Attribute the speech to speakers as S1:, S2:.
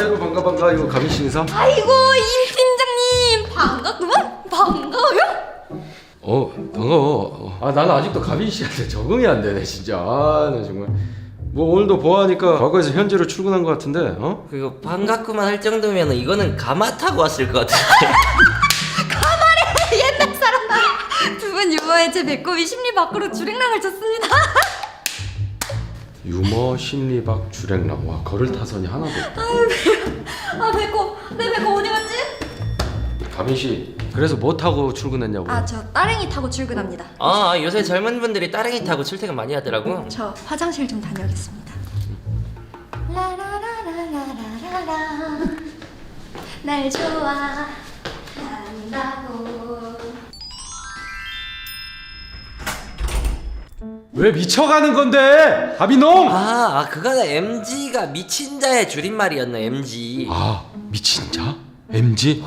S1: 아이고 반가 이거 가민 씨 인사?
S2: 아이고 임 팀장님 반갑구만. 반가워요?
S1: 반가워. 나는 아직도 가민 씨한테 적응이 안 되네 진짜. 나 정말 뭐 오늘도 보아하니까 과거에서 현재로 출근한 것 같은데
S3: 그리고 반갑구만 할 정도면 이거는 가마 타고 왔을 것 같은데.
S2: 옛날 사람. 두 분 유머에 제 배꼽이 심리 밖으로 주랭랑을 쳤습니다.
S1: 유머 심리박 주랭랑. 와 걸을 타선이 하나도 없다.
S2: 아 배꼽. 내 배꼽 어디 갔지?
S1: 가민 씨 그래서 뭐 타고 출근했냐고.
S2: 저 따릉이 타고 출근합니다.
S3: 요새 젊은 분들이 따릉이 타고 출퇴근 많이 하더라고.
S2: 저 화장실 좀 다녀오겠습니다. 라라라라라라라 날 좋아한다고.
S1: 왜 미쳐가는 건데 가민놈?
S3: 그거는 MG가 미친 자의 줄임말이었네. MG.
S1: 미친 자? MG?